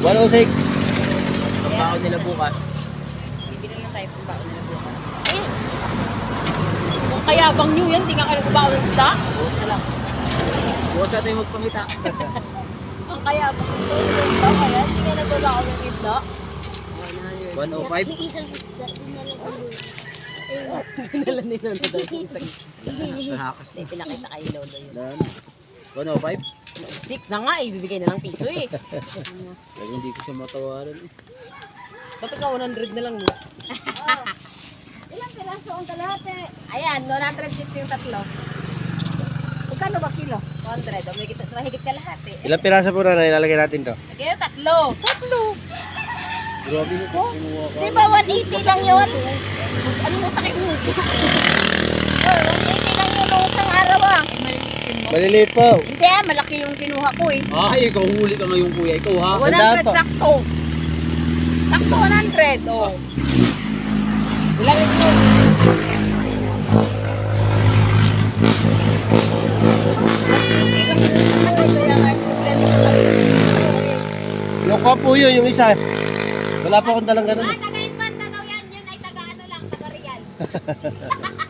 106. Pagbaon nila bukas. Bibili lang tayo pang baon nila bukas. Eh! Kung kayabang nyo yan, di nga kayo nagbaon ng stock. Bukas na lang. Bukas na tayo magpangita. Ang kayabang nyo yung stock kaya, di nga nagbabaon ng stock. 105. Isang isda, inalang Pinala ni Lolo daw yung isang Nakakas. Hindi, pinakita kay Lolo yun. 105. 6 na nga eh, bibigay na lang piso eh. Lagi hindi ko siya matawaran. Dapat ka 100 na lang mo. Ilang piraso ang kalahati? Ayan, 106 yung tatlo. Magkano ba kilo? 100, o mahigit ka lahat eh. Ilang piraso po na ilalagay natin to? Kaya tatlo. Grabe mo. Kinuha ka. Di ba 180 lang yun? Ano mo sa akin muso? Oh, 180 lang yun nung isang araw ah. Eh, malilitin mo. Maliliit po. Hindi ah, malaki yung kinuha ko eh. Ay, ikaw huli ka ngayon kuya. Ikaw ha. 100 Tandaan pa. sakto. Sakto 100, oh. Ilang yun? Kaya nga, sinublan ko sa Yung kwa po yun, yung isa. Wala pa akong dalang ganun. Taga-Infanta daw yan, yun ay taga-ano lang, taga-Real.